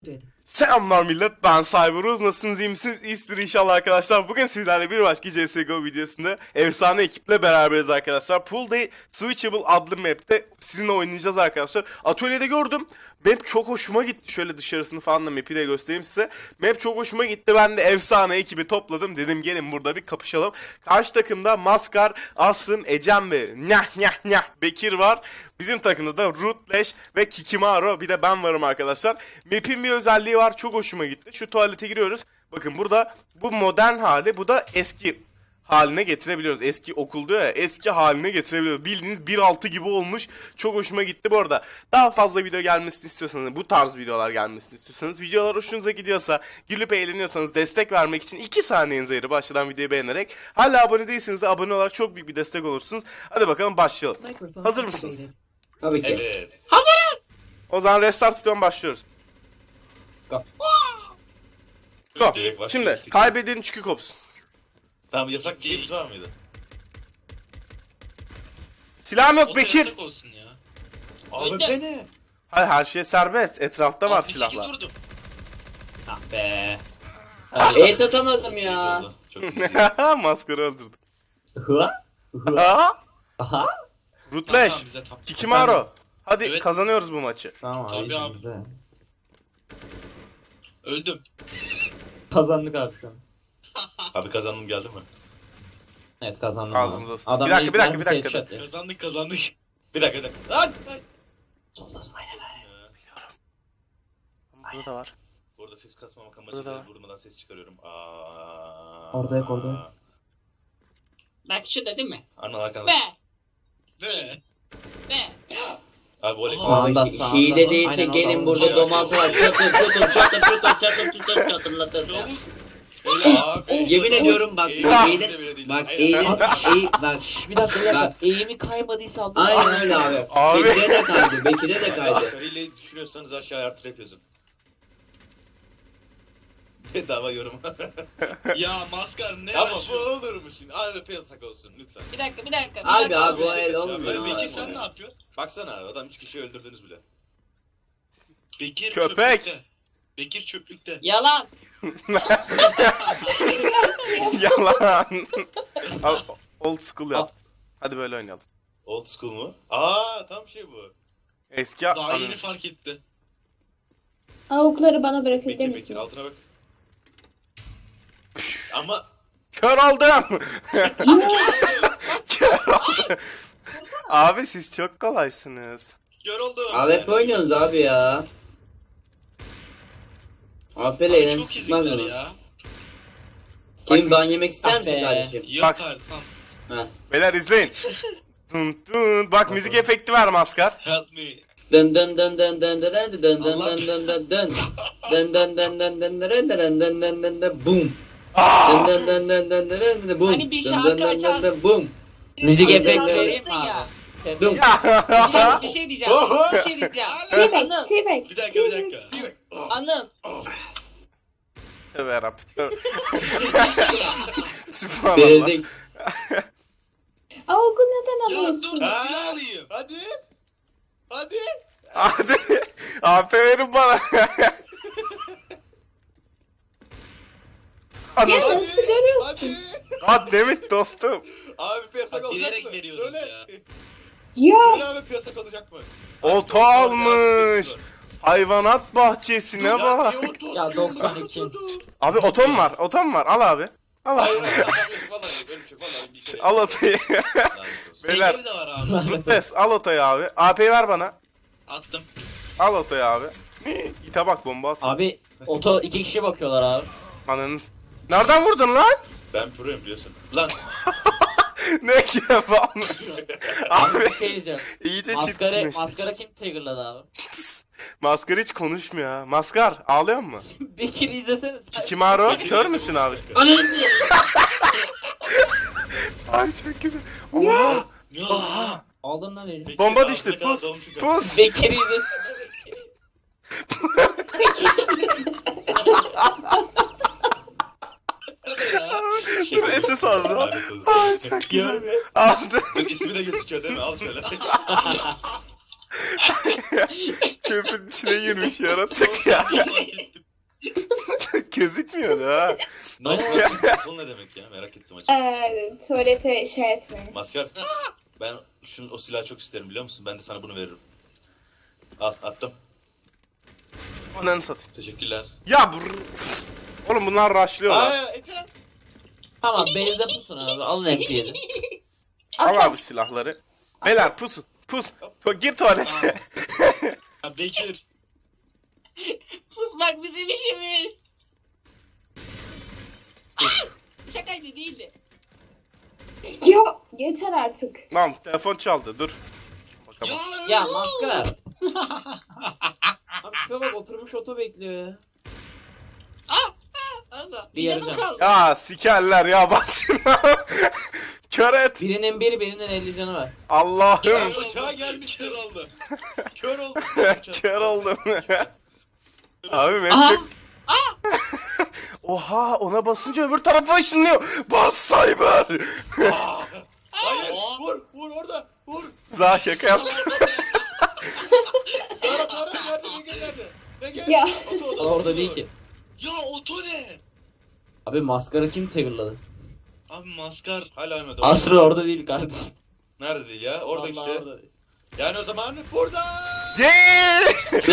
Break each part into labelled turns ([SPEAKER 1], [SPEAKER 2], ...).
[SPEAKER 1] Selamlar millet, ben Cyberuz. Nasılsınız, iyi misiniz? İyisinizdir inşallah arkadaşlar. Bugün sizlerle bir başka CSGO videosunda efsane ekiple beraberiz arkadaşlar. Pool Day Switchable adlı map'te sizinle oynayacağız arkadaşlar. Atölyede gördüm. Map çok hoşuma gitti. Şöyle dışarısını falan da map'i de göstereyim size. Map çok hoşuma gitti. Ben de efsane ekibi topladım. Dedim gelin burada bir kapışalım. Karşı takımda Maskar, Asrın, Ecem ve Bekir var. Bizim takımda da Rutleş ve Kikimaro, bir de ben varım arkadaşlar. Map'in bir özelliği var, çok hoşuma gitti. Şu tuvalete giriyoruz. Bakın burada bu modern hali, bu da eski haline getirebiliyoruz. Eski okul diyor ya, eski haline getirebiliyoruz. Bildiğiniz 1.6 gibi olmuş. Çok hoşuma gitti bu arada. Daha fazla video gelmesini istiyorsanız, bu tarz videolar gelmesini istiyorsanız, videolar hoşunuza gidiyorsa, gülüp eğleniyorsanız, destek vermek için 2 saniyenize ayırıp başladan videoyu beğenerek, hala abone değilseniz de abone olarak çok büyük bir destek olursunuz. Hadi bakalım başlayalım. Hazır mısınız?
[SPEAKER 2] Tabii ki.
[SPEAKER 3] Evet.
[SPEAKER 1] O zaman restart tutuyorum, başlıyoruz. Go.
[SPEAKER 3] Direkt
[SPEAKER 1] Şimdi
[SPEAKER 3] başlıyoruz.
[SPEAKER 1] kaybedeni çıkı kopsun.
[SPEAKER 3] Tamam, yasak bir şeyimiz var mıydı?
[SPEAKER 1] Silahım yok Bekir.
[SPEAKER 4] Yasak olsun ya.
[SPEAKER 3] Abi
[SPEAKER 4] Öyle.
[SPEAKER 3] beni.
[SPEAKER 1] Hayır, her şey serbest. Etrafta var
[SPEAKER 4] Abi, bir
[SPEAKER 1] silahlar.
[SPEAKER 4] şey durdum.
[SPEAKER 3] Ah be.
[SPEAKER 2] Ace atamadım
[SPEAKER 3] Neyse
[SPEAKER 2] ya.
[SPEAKER 3] oldu. Çok güzel.
[SPEAKER 1] Maskarı öldürdüm.
[SPEAKER 2] Hıa?
[SPEAKER 1] Aha.
[SPEAKER 2] Aha.
[SPEAKER 1] Rutleş.
[SPEAKER 4] Tamam, bize tam.
[SPEAKER 1] Kikimaro. Hadi
[SPEAKER 4] Evet.
[SPEAKER 1] kazanıyoruz bu maçı.
[SPEAKER 2] Tamam
[SPEAKER 4] Tabii abi.
[SPEAKER 2] bizde.
[SPEAKER 4] Öldüm.
[SPEAKER 2] Kazandık abi şu an.
[SPEAKER 3] Abi kazandım, geldi mi?
[SPEAKER 2] Evet kazandım.
[SPEAKER 1] Ağzınıza sıçtım.
[SPEAKER 2] Adam
[SPEAKER 1] Bir dakika,
[SPEAKER 2] ilk
[SPEAKER 1] bir dakika,
[SPEAKER 2] mermisi
[SPEAKER 1] bir dakika.
[SPEAKER 2] headshot ya.
[SPEAKER 4] Kazandık.
[SPEAKER 3] Bir dakika. Lan!
[SPEAKER 2] Soldasın aynen.
[SPEAKER 1] Burada da var.
[SPEAKER 3] Burada ses kasmamak
[SPEAKER 1] Burada da
[SPEAKER 3] amacıyla
[SPEAKER 1] var.
[SPEAKER 3] vurmadan ses çıkarıyorum.
[SPEAKER 2] Orada yok, orada yok.
[SPEAKER 5] Bak şurada değil mi?
[SPEAKER 3] Anla arkanda.
[SPEAKER 5] Be!
[SPEAKER 4] Ve
[SPEAKER 5] Be!
[SPEAKER 3] Abi voley.
[SPEAKER 2] Sağında, sağında. Hile değilse
[SPEAKER 5] Aynen,
[SPEAKER 2] gelin
[SPEAKER 5] orada.
[SPEAKER 2] burada
[SPEAKER 3] Orada.
[SPEAKER 2] domaltılar. Çatır.
[SPEAKER 4] Yavuz.
[SPEAKER 3] Abi.
[SPEAKER 2] Yemin ediyorum bak,
[SPEAKER 3] Eğilir.
[SPEAKER 2] bak
[SPEAKER 3] Hayır,
[SPEAKER 2] eğilir,
[SPEAKER 3] abi.
[SPEAKER 2] bak.
[SPEAKER 5] Bir dakika
[SPEAKER 2] Bak.
[SPEAKER 5] Eğimi kaymadıysa Allah.
[SPEAKER 2] Aynen öyle abi.
[SPEAKER 1] Abi.
[SPEAKER 2] Bekir'e de kaydı, Bekir'e de kaydı.
[SPEAKER 3] Asgariyle düşünüyorsanız aşağıya artı rap yazın. Bedava yorum.
[SPEAKER 4] Ya maskar ne
[SPEAKER 3] Ama bu
[SPEAKER 4] yaşıyor?
[SPEAKER 3] olur musun? AWP yasak olsun lütfen.
[SPEAKER 5] Bir dakika.
[SPEAKER 2] Abi o el
[SPEAKER 3] Ya,
[SPEAKER 2] olmuyor.
[SPEAKER 4] Bekir
[SPEAKER 3] Bekir
[SPEAKER 4] sen ne yapıyorsun?
[SPEAKER 3] Baksana abi, adam 3 kişi öldürdünüz bile.
[SPEAKER 4] Bekir
[SPEAKER 1] Köpek.
[SPEAKER 4] çöplükte. Bekir çöplükte.
[SPEAKER 5] Yalan.
[SPEAKER 1] Yalan. Al, old school yap. Hadi böyle oynayalım.
[SPEAKER 3] Old school mu? Aa, tam şey bu.
[SPEAKER 1] Eski
[SPEAKER 4] Daha yeni
[SPEAKER 1] anı.
[SPEAKER 4] fark etti.
[SPEAKER 6] Avukları bana bırakabilir
[SPEAKER 3] Bekir
[SPEAKER 6] misiniz?
[SPEAKER 3] altına bak. Ama
[SPEAKER 1] Kör oldum. Kör oldum. Abi siz çok kolaysınız.
[SPEAKER 4] Gör oldu.
[SPEAKER 2] Abi hep oynuyorsunuz abi ya. AP'le
[SPEAKER 4] Abi
[SPEAKER 2] eğlen
[SPEAKER 4] çok
[SPEAKER 2] sıkmaz
[SPEAKER 4] izlikler
[SPEAKER 2] mı?
[SPEAKER 4] ya.
[SPEAKER 2] Kim ban yemek ister
[SPEAKER 5] Ah
[SPEAKER 2] misin
[SPEAKER 5] be.
[SPEAKER 2] kardeşim?
[SPEAKER 4] Yok
[SPEAKER 1] Bak.
[SPEAKER 4] artık tamam.
[SPEAKER 2] Ha.
[SPEAKER 1] Beyler izleyin. Dun dun. Bak müzik efekti ver Maskar.
[SPEAKER 4] Help me.
[SPEAKER 2] Dın dın dın dın dın dın dın dın dın dın dın dın dın. Dın dın dın dın dın dın dın dın dın dın dın dın boom. Dın dın dın dın dın dın dın dın boom.
[SPEAKER 5] Hani bir
[SPEAKER 2] Dın
[SPEAKER 5] şarkı
[SPEAKER 2] dın dın dın
[SPEAKER 5] açar.
[SPEAKER 2] dın boom.
[SPEAKER 5] Müzik
[SPEAKER 2] efekti
[SPEAKER 5] efekti
[SPEAKER 2] vereyim
[SPEAKER 5] vereyim mi abi?
[SPEAKER 2] Dum.
[SPEAKER 5] Bir şey diyeceğim. Anım.
[SPEAKER 6] T-Bag.
[SPEAKER 4] Bir dakika.
[SPEAKER 5] Anım.
[SPEAKER 1] Tövbe yarabbim. Tövbe. Sübhanallah.
[SPEAKER 2] Verildik.
[SPEAKER 6] Avuku neden
[SPEAKER 4] Ya dur
[SPEAKER 6] alıyorsun?
[SPEAKER 4] silah alayım.
[SPEAKER 3] hadi.
[SPEAKER 1] Hadi. AP verin bana.
[SPEAKER 6] Ya
[SPEAKER 1] Anasını.
[SPEAKER 6] nasıl görüyorsun?
[SPEAKER 1] God damn it dostum.
[SPEAKER 3] Abi piyasak
[SPEAKER 4] Bak,
[SPEAKER 3] olacak
[SPEAKER 4] bilerek
[SPEAKER 3] mı?
[SPEAKER 4] veriyoruz
[SPEAKER 3] Söyle.
[SPEAKER 4] ya.
[SPEAKER 6] Ya
[SPEAKER 3] Söyle abi, piyasak olacak mı?
[SPEAKER 1] Olta almış. Hayvanat bahçesine
[SPEAKER 3] Ya,
[SPEAKER 1] bak.
[SPEAKER 3] niye otur?
[SPEAKER 5] Ya 92.
[SPEAKER 1] Abi otom var. Otom var. Al abi. Al
[SPEAKER 3] Hayır
[SPEAKER 1] abi.
[SPEAKER 3] hayır. Vallahi öyle bir şey. Vallahi bir şey.
[SPEAKER 1] Al otayı.
[SPEAKER 3] Lanet olsun.
[SPEAKER 1] Beyler.
[SPEAKER 4] Bekir de var abi.
[SPEAKER 1] Rutles al otayı abi. AP'yi ver bana.
[SPEAKER 4] Attım.
[SPEAKER 1] Al otayı abi. İte bak, bomba at.
[SPEAKER 5] Abi oto 2 kişi bakıyorlar abi.
[SPEAKER 1] Ananın. Nereden vurdun lan?
[SPEAKER 3] Ben proyum biliyorsun. Lan.
[SPEAKER 1] Ne kebapmış.
[SPEAKER 5] Abi
[SPEAKER 1] Abi
[SPEAKER 5] bir şey diyeceğim.
[SPEAKER 1] iyi de
[SPEAKER 5] Maskara
[SPEAKER 1] çirkinleştik.
[SPEAKER 5] kim triggerladı abi?
[SPEAKER 1] Maskar hiç konuşmuyor ha. Maskar ağlıyor mu?
[SPEAKER 5] Bekir izlesene sen.
[SPEAKER 1] Kikimaro kör müsün abi?
[SPEAKER 2] Ananı
[SPEAKER 1] Ay çok güzel. Oha.
[SPEAKER 4] Ya.
[SPEAKER 5] Aldın lan herif.
[SPEAKER 1] Bomba düştü. Pus. Pus.
[SPEAKER 5] Bekir izlesene.
[SPEAKER 1] Dur SS aldı. Ay çok güzel. Aldı.
[SPEAKER 3] Dur, ismi de gözüküyor değil mi? Al şöyle.
[SPEAKER 1] Çöpün içine girmiş yaratık ya. Gözükmüyordu ha.
[SPEAKER 3] No, bu ne demek ya? Merak ettim açık.
[SPEAKER 6] Tuvalete şey etmeyin.
[SPEAKER 3] Maskar. Ben o silahı çok isterim biliyor musun? Ben de sana bunu veririm. Al attım.
[SPEAKER 1] Ananı satayım.
[SPEAKER 3] Teşekkürler.
[SPEAKER 1] Ya oğlum bunlar rushlıyorlar.
[SPEAKER 3] Aa Ece.
[SPEAKER 5] Tamam base'de pusun abi. Alın MP7.
[SPEAKER 1] Al abi silahları. Beyler pusun. Pus. Gir tuvalete.
[SPEAKER 4] Ya Bekir.
[SPEAKER 5] Pusmak bizim işimiz. Şakaydı değildi.
[SPEAKER 6] Ya yeter artık.
[SPEAKER 1] Tamam telefon çaldı dur. Bakalım.
[SPEAKER 5] Ya maskara. Abi şuna bak oturmuş oto bekliyor ya. Bir yarayacağım.
[SPEAKER 1] Ya sikerler ya bas şuna. Kör et.
[SPEAKER 5] Birinin biri birinin 50 canı var.
[SPEAKER 1] Allah'ım.
[SPEAKER 3] Uçağa gelmiş kör oldu. Kör oldu.
[SPEAKER 1] Kör oldum. Abi ben çok... Oha ona basınca öbür tarafa ışınlıyor. Bas Cyber.
[SPEAKER 3] Hayır. Vur orada. Vur.
[SPEAKER 1] Za şaka yaptım.
[SPEAKER 3] Para nerede? Ne geldi?
[SPEAKER 6] Ya.
[SPEAKER 5] Orada değil ki.
[SPEAKER 4] Ya oto ne?
[SPEAKER 5] Abi maskara kim triggerladı?
[SPEAKER 4] Abi maskar.
[SPEAKER 3] Hala ölmedi.
[SPEAKER 5] Aslı orada değil kardeşim.
[SPEAKER 3] Nerede değil ya? Orada
[SPEAKER 5] Vallahi
[SPEAKER 3] işte.
[SPEAKER 5] orada değil.
[SPEAKER 3] Yani o zaman burada.
[SPEAKER 1] Yeah!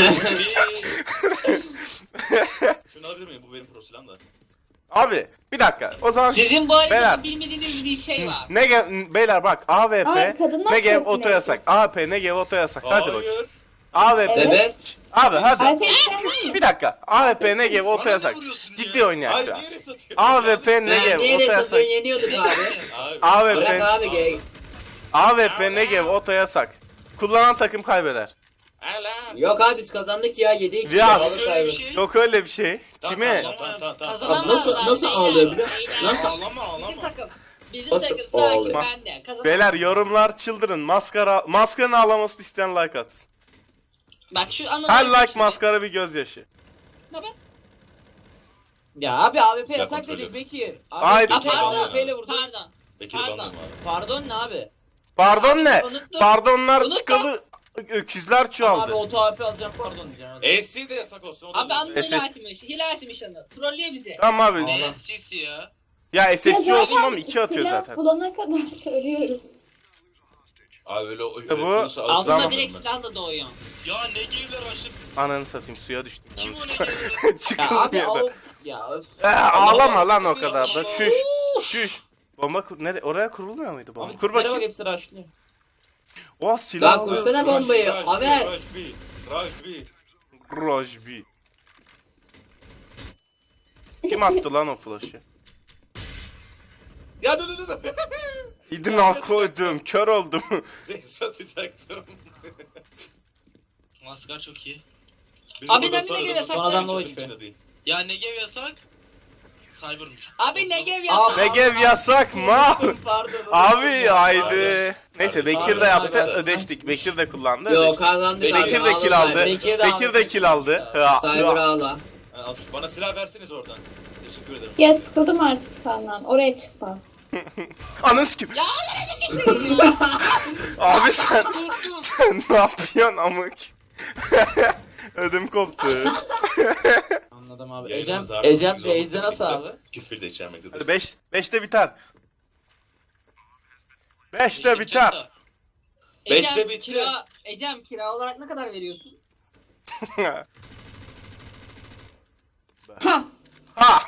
[SPEAKER 3] Şunu alabilir miyim? Bu benim pro silahım da.
[SPEAKER 1] Abi bir dakika. O zaman
[SPEAKER 5] Sizin bu
[SPEAKER 1] Beyler.
[SPEAKER 5] arada bilmediğiniz bir şey var.
[SPEAKER 1] Beyler bak AWP
[SPEAKER 6] Ay, kadınlar
[SPEAKER 1] Negev
[SPEAKER 6] tarafına
[SPEAKER 1] oto yasak.
[SPEAKER 6] yapıyorsun.
[SPEAKER 1] AP Negev oto yasak. Hadi bakayım.
[SPEAKER 3] Hayır.
[SPEAKER 1] AWP.
[SPEAKER 2] Sebep?
[SPEAKER 1] Abi hadi.
[SPEAKER 6] Alper sen mi?
[SPEAKER 1] Bir dakika. AWP Negev oto
[SPEAKER 4] Bana
[SPEAKER 1] yasak.
[SPEAKER 4] ne vuruyorsun
[SPEAKER 1] Ciddi
[SPEAKER 4] ya?
[SPEAKER 1] oynayak
[SPEAKER 3] Hayır
[SPEAKER 1] biraz.
[SPEAKER 3] niye satıyor?
[SPEAKER 1] AWP
[SPEAKER 2] Ben
[SPEAKER 1] Negev
[SPEAKER 2] niye
[SPEAKER 1] oto yasak.
[SPEAKER 2] satıyorsun yeniyorduk abi.
[SPEAKER 3] Abi.
[SPEAKER 2] Bırak
[SPEAKER 1] AWP
[SPEAKER 2] abi gel.
[SPEAKER 1] AWP Negev oto yasak. Kullanan takım kaybeder.
[SPEAKER 2] Yok abi biz kazandık ya 7-2
[SPEAKER 1] Ya,
[SPEAKER 2] ya.
[SPEAKER 4] Öyle bir şey.
[SPEAKER 1] Yok öyle bir şey. Kime?
[SPEAKER 3] Tamam.
[SPEAKER 2] Abi nasıl ağlıyor biliyor musun? Nasıl?
[SPEAKER 4] Ağlama.
[SPEAKER 5] Bizim
[SPEAKER 2] Nasıl
[SPEAKER 5] takım
[SPEAKER 2] ağlıyor?
[SPEAKER 5] sakin bende. Kazan.
[SPEAKER 1] Beyler yorumlar çıldırın. Maskarın ağlamasını isteyen like atsın.
[SPEAKER 5] Bak şu anı.
[SPEAKER 1] Her like maskara bir gözyaşı.
[SPEAKER 5] Ya abi AWP
[SPEAKER 3] Silah
[SPEAKER 5] yasak
[SPEAKER 3] kontrolü.
[SPEAKER 5] dedik Bekir.
[SPEAKER 1] Hayır.
[SPEAKER 5] Abi
[SPEAKER 3] Pardon.
[SPEAKER 5] AWP ile vurdu.
[SPEAKER 7] Pardon.
[SPEAKER 3] Bekir
[SPEAKER 7] Pardon.
[SPEAKER 3] bandım abi.
[SPEAKER 5] Pardon ne abi?
[SPEAKER 1] Pardon ne?
[SPEAKER 7] Unuttum.
[SPEAKER 1] Pardonlar
[SPEAKER 7] Unuttum.
[SPEAKER 1] çıkalı öküzler
[SPEAKER 5] Abi
[SPEAKER 1] çoğaldı.
[SPEAKER 5] oto AWP alacağım pardon diyeceğim. Hadi.
[SPEAKER 3] AC de yasak olsun. o da
[SPEAKER 7] Abi
[SPEAKER 3] olur.
[SPEAKER 7] anı
[SPEAKER 1] Eset.
[SPEAKER 7] hile açmış. Hile açmış anı. Trollüyor bizi.
[SPEAKER 1] Tamam abi.
[SPEAKER 4] Ne SC'si ya?
[SPEAKER 1] Ya SSC
[SPEAKER 6] Ya
[SPEAKER 1] olsun ama 2 atıyor
[SPEAKER 6] silah
[SPEAKER 1] zaten.
[SPEAKER 6] bulana kadar söylüyoruz.
[SPEAKER 3] Abi öyle
[SPEAKER 1] İşte bu-
[SPEAKER 3] olursa
[SPEAKER 1] Tamam.
[SPEAKER 7] Altında direkt silahla doğuyor.
[SPEAKER 4] Ya ne gevler aşıp
[SPEAKER 1] Ananı satayım suya düştüm.
[SPEAKER 4] kim o ne
[SPEAKER 1] yanlışlıkla.
[SPEAKER 4] gevler?
[SPEAKER 5] Ya abi
[SPEAKER 1] Çıkılmıyor da.
[SPEAKER 5] o... Ya öf.
[SPEAKER 1] Ağlama lan o kadar da. Çüş. Çüş. Bomba oraya kurulmuyor muydu bomba?
[SPEAKER 5] Abi
[SPEAKER 1] Kur
[SPEAKER 5] tiplere bak
[SPEAKER 1] bakayım.
[SPEAKER 5] hepsi rushlıyor.
[SPEAKER 1] Oha silah
[SPEAKER 2] Lan
[SPEAKER 1] alıyor.
[SPEAKER 2] kursana bombayı. Haber.
[SPEAKER 3] Rajbi.
[SPEAKER 1] Rojbi. Kim attı lan o flash'ı?
[SPEAKER 3] Ya dur.
[SPEAKER 1] İdina koydum. Kör oldum.
[SPEAKER 3] Seni satacaktım.
[SPEAKER 4] Maskar çok iyi.
[SPEAKER 3] Bizim
[SPEAKER 7] Abi
[SPEAKER 3] burada
[SPEAKER 7] ne
[SPEAKER 3] sonra
[SPEAKER 7] geliyor,
[SPEAKER 3] da-
[SPEAKER 5] son adam da o
[SPEAKER 3] çöpün
[SPEAKER 5] işte.
[SPEAKER 3] içinde değil.
[SPEAKER 4] Ya Negev yasak. Cyber'mış.
[SPEAKER 7] Abi Negev
[SPEAKER 5] Aa,
[SPEAKER 7] yapma.
[SPEAKER 1] Negev yasak mı?
[SPEAKER 5] Pardon.
[SPEAKER 1] Abi haydi. Neyse Bekir de yaptı
[SPEAKER 5] Pardon.
[SPEAKER 1] ödeştik. Bekir de kullandı
[SPEAKER 2] Yok
[SPEAKER 1] ödeştik.
[SPEAKER 2] kazandık abi.
[SPEAKER 1] Bekir de kill aldı. Bekir de kill aldı.
[SPEAKER 2] Cyber ağla.
[SPEAKER 3] Ha, al, bana silah verseniz oradan. Teşekkür ederim.
[SPEAKER 6] Ya sıkıldım artık senden. Oraya çıkma.
[SPEAKER 1] Ananı sikim. Abi sen ne yapıyorsun amık? Ödüm koptu.
[SPEAKER 5] Anladım abi.
[SPEAKER 3] Yayınımız daha
[SPEAKER 5] Ecem
[SPEAKER 3] çok güzel
[SPEAKER 5] base'de
[SPEAKER 3] olması
[SPEAKER 5] nasıl
[SPEAKER 3] gerekirse
[SPEAKER 5] abi?
[SPEAKER 3] Küfür de içermektedir.
[SPEAKER 1] Hadi 5'te biter. 5'te biter.
[SPEAKER 3] Beşte bitti.
[SPEAKER 7] Ecem kira olarak ne kadar veriyorsun?
[SPEAKER 6] Ha.
[SPEAKER 1] Ha.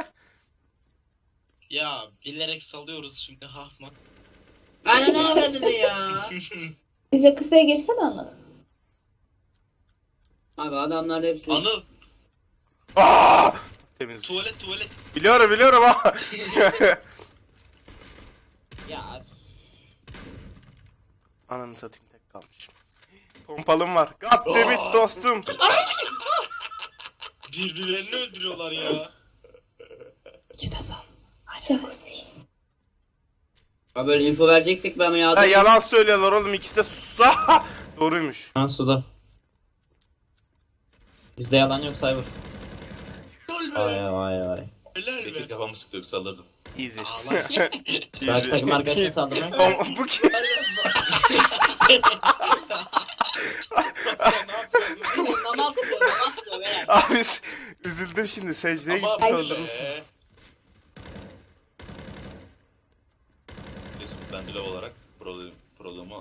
[SPEAKER 4] Ya bilerek salıyoruz şimdi hafma.
[SPEAKER 2] Bana ne avradın ya?
[SPEAKER 6] Bize kısaya girsene Anıl.
[SPEAKER 2] Abi adamlar hepsi.
[SPEAKER 4] Anıl
[SPEAKER 1] Aa! Temiz.
[SPEAKER 4] tuvalet.
[SPEAKER 1] Biliyorum ha.
[SPEAKER 5] Ya
[SPEAKER 1] Ananı satayım tek kalmış. Pompalım var. God damn it dostum.
[SPEAKER 4] Birbirlerini öldürüyorlar ya.
[SPEAKER 6] Jacuzzi.
[SPEAKER 2] Abi böyle info vereceksek ben
[SPEAKER 1] Ha,
[SPEAKER 2] yardım.
[SPEAKER 1] yalan söylüyorlar oğlum ikisi de sus. Doğruymuş.
[SPEAKER 5] ben suda. Bizde yalan yok Cyber.
[SPEAKER 4] Gol
[SPEAKER 5] Vay
[SPEAKER 4] be.
[SPEAKER 5] vay vay.
[SPEAKER 4] Helal
[SPEAKER 3] Bekir
[SPEAKER 4] be.
[SPEAKER 3] kafamı sıktı yoksa alırdım.
[SPEAKER 1] Easy.
[SPEAKER 4] Ağlar.
[SPEAKER 5] Ben takım arkadaşına saldırmak.
[SPEAKER 1] Bu kim?
[SPEAKER 7] Namaz kılıyor, namaz kılıyor beyler.
[SPEAKER 1] Abi üzüldüm şimdi, secdeye
[SPEAKER 3] Ama
[SPEAKER 1] gitmiş
[SPEAKER 6] Ay.
[SPEAKER 1] öldürmüşsün.
[SPEAKER 3] Ben bile olarak problemi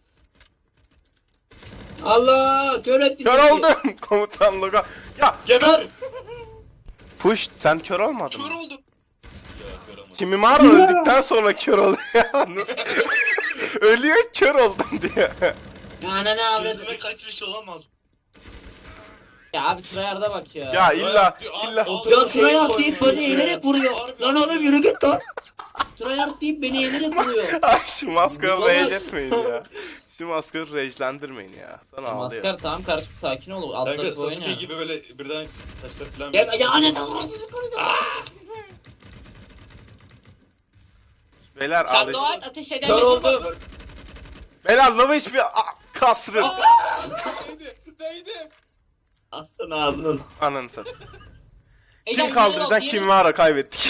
[SPEAKER 2] Allah kör ettin.
[SPEAKER 1] Kör
[SPEAKER 2] bizi.
[SPEAKER 1] oldum komutan logo. Ya
[SPEAKER 3] geber.
[SPEAKER 1] push, sen kör olmadın
[SPEAKER 4] Kör
[SPEAKER 1] mı?
[SPEAKER 4] oldum.
[SPEAKER 1] Kimimaro öldükten sonra kör oluyor ya. Nasıl? Ölüyor kör oldum diye.
[SPEAKER 2] Ananı avradı.
[SPEAKER 4] Yüzüme kaçmış olamaz.
[SPEAKER 5] Ya abi tryhard'a bak ya.
[SPEAKER 1] Ya illa
[SPEAKER 2] Ya tryhard deyip beni eğilerek vuruyor. Lan oğlum yürü git lan. Tryhard deyip beni eğilerek vuruyor.
[SPEAKER 1] Ay, şu maskarı
[SPEAKER 2] Baba.
[SPEAKER 1] rage etmeyin ya. Şu maskarı rage'lendirmeyin ya. Sana ağlıyor.
[SPEAKER 5] Maskar tamam kardeşim sakin ol. Altları
[SPEAKER 3] Kanka
[SPEAKER 5] koyun
[SPEAKER 3] Sasuke
[SPEAKER 5] ya.
[SPEAKER 3] gibi böyle birden saçları falan.
[SPEAKER 2] Ya ananı avradı.
[SPEAKER 1] Beyler
[SPEAKER 7] Sen
[SPEAKER 1] ağlayış.
[SPEAKER 7] Doğan ateş
[SPEAKER 5] Kör
[SPEAKER 7] edemedin.
[SPEAKER 5] oldum.
[SPEAKER 1] Beyler lava hiçbir kasrı.
[SPEAKER 4] Değdi.
[SPEAKER 5] Aslında ağzını.
[SPEAKER 1] Ananı satayım.
[SPEAKER 7] Ecem,
[SPEAKER 1] Kim kaldı
[SPEAKER 7] yürü
[SPEAKER 1] bizden?
[SPEAKER 7] ol,
[SPEAKER 1] Kimimaro kaybettik.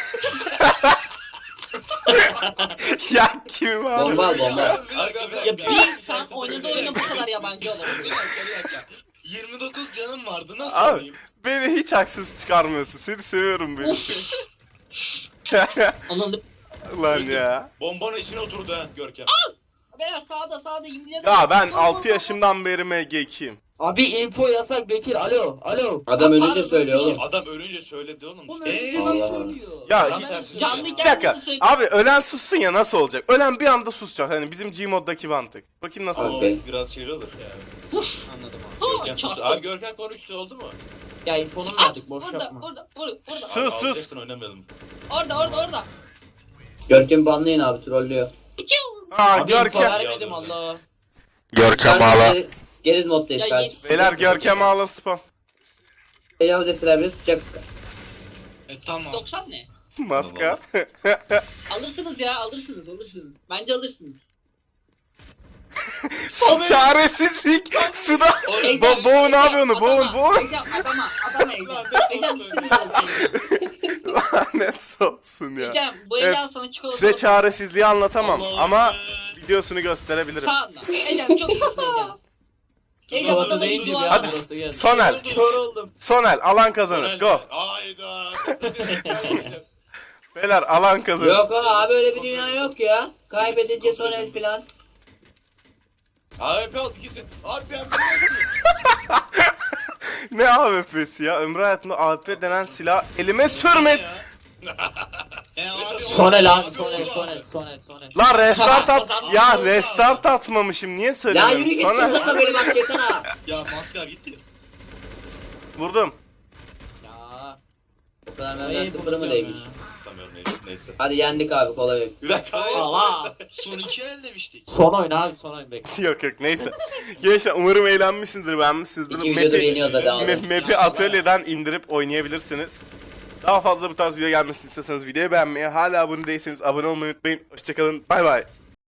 [SPEAKER 1] Ya Kimimaro.
[SPEAKER 2] Bomba al bomba.
[SPEAKER 4] Bir dakika, bir
[SPEAKER 7] Ya
[SPEAKER 4] dakika.
[SPEAKER 7] bir insan oynadığı oyuna bu kadar yabancı olur.
[SPEAKER 4] Bir dakika. 29 canım vardı, nasıl
[SPEAKER 1] Abi
[SPEAKER 4] olayım?
[SPEAKER 1] beni hiç haksız çıkarmıyorsun. Seni seviyorum beni.
[SPEAKER 7] Anladım.
[SPEAKER 1] Lan ya.
[SPEAKER 3] Bombanın içine oturdu ha Görkem.
[SPEAKER 7] Beyler sağda yemin
[SPEAKER 1] Ya ben 6 yaşımdan beri MG2'yim.
[SPEAKER 5] Abi info yasak Bekir. Alo. Alo.
[SPEAKER 2] Adam ölünce söylüyor oğlum.
[SPEAKER 3] Adam ölünce söyledi oğlum.
[SPEAKER 5] Oğlum
[SPEAKER 3] işte.
[SPEAKER 5] önce
[SPEAKER 2] Allah.
[SPEAKER 5] nasıl söylüyor?
[SPEAKER 1] Ya
[SPEAKER 3] Tam
[SPEAKER 1] hiç...
[SPEAKER 3] tersi.
[SPEAKER 7] Canlı
[SPEAKER 1] Bir dakika.
[SPEAKER 7] geldiğini söyle.
[SPEAKER 1] Abi ölen sussun ya, nasıl olacak? Ölen bir anda susacak. Hani bizim Gmod'daki mantık. Bakayım nasıl
[SPEAKER 3] Ama
[SPEAKER 1] olacak.
[SPEAKER 2] Okey.
[SPEAKER 3] biraz şeyli olur yani.
[SPEAKER 5] Anladım abi.
[SPEAKER 3] Görkem sus.
[SPEAKER 7] çarptı.
[SPEAKER 3] Abi Görkem konuştu oldu mu?
[SPEAKER 5] Ya infonunu verdik boş
[SPEAKER 7] Burada,
[SPEAKER 5] yapma.
[SPEAKER 7] burada.
[SPEAKER 1] Sus
[SPEAKER 3] Abi,
[SPEAKER 1] sus.
[SPEAKER 3] alacaksın, oynamayalım.
[SPEAKER 7] Orada.
[SPEAKER 2] Görkem banlayın abi trollüyor.
[SPEAKER 1] Aa
[SPEAKER 5] Abi info
[SPEAKER 1] Görkem.
[SPEAKER 5] vermedim Allah.
[SPEAKER 2] Geriz moddayız
[SPEAKER 7] Ya,
[SPEAKER 2] kardeşim.
[SPEAKER 1] Beyler Görkem ağla spam.
[SPEAKER 2] Tecavüz etseler bile sıcak sıkar.
[SPEAKER 4] Tamam.
[SPEAKER 7] 90 ne?
[SPEAKER 1] Maskar.
[SPEAKER 7] Alırsınız ya, alırsınız. Bence alırsınız.
[SPEAKER 1] Çaresizlik. Suda. Boğun ne yapıyor onu? Boğun.
[SPEAKER 7] Ecem adama Ecem. Ecem
[SPEAKER 1] Lanet olsun ya.
[SPEAKER 7] Ecem bu
[SPEAKER 1] Evet,
[SPEAKER 7] Ecem sana çikolata.
[SPEAKER 1] Size çaresizliği anlatamam
[SPEAKER 4] Allah'ım
[SPEAKER 1] ama
[SPEAKER 4] ya.
[SPEAKER 1] videosunu gösterebilirim.
[SPEAKER 7] Sağında. Ecem çok iyisin Ecem. Ecem
[SPEAKER 5] Çikolata
[SPEAKER 7] adamın
[SPEAKER 5] deyince bir
[SPEAKER 7] duvarı.
[SPEAKER 1] Hadi
[SPEAKER 5] burası geldi.
[SPEAKER 1] Sonel.
[SPEAKER 5] Kör oldum.
[SPEAKER 1] Sonel alan kazanır. Go.
[SPEAKER 3] Hayda.
[SPEAKER 1] Beyler alan kazanır.
[SPEAKER 2] Yok abi öyle bir dünya yok ya. Kaybedince son el filan.
[SPEAKER 3] Abi aldı gitsin. Abi ben
[SPEAKER 1] Ne AWP'si ya? Ömrü hayatımda AWP denen silah elime sürmedi.
[SPEAKER 4] Abi,
[SPEAKER 5] Sonel abi
[SPEAKER 4] Sonel.
[SPEAKER 5] Sonel.
[SPEAKER 1] Lan restart at. Ya restart atmamışım. Niye
[SPEAKER 2] Ya
[SPEAKER 1] söylemiyorum?
[SPEAKER 2] yürü git
[SPEAKER 1] Sonel.
[SPEAKER 2] çıldırma beni bak yeter ha.
[SPEAKER 4] Ya maskar gitti.
[SPEAKER 1] Vurdum.
[SPEAKER 5] Ya.
[SPEAKER 2] O kadar benden
[SPEAKER 5] Neyi
[SPEAKER 2] sıfırı mı
[SPEAKER 5] bozuyorum
[SPEAKER 2] değmiş?
[SPEAKER 5] ya?
[SPEAKER 3] Tutamıyorum neyse.
[SPEAKER 2] Hadi yendik abi kolay.
[SPEAKER 3] Bir dakika.
[SPEAKER 5] Allah.
[SPEAKER 4] Son 2 el demiştik.
[SPEAKER 5] Son oyun abi son oyun bekle.
[SPEAKER 1] Yok neyse. Gençler umarım eğlenmişsinizdir, beğenmişsinizdir.
[SPEAKER 2] İki videodur yeniyoruz hadi abi.
[SPEAKER 1] Map'i atölyeden indirip oynayabilirsiniz. Daha fazla bu tarz video gelmesini istiyorsanız videoyu beğenmeyi, hala abone değilseniz abone olmayı unutmayın. Hoşçakalın, bay bay.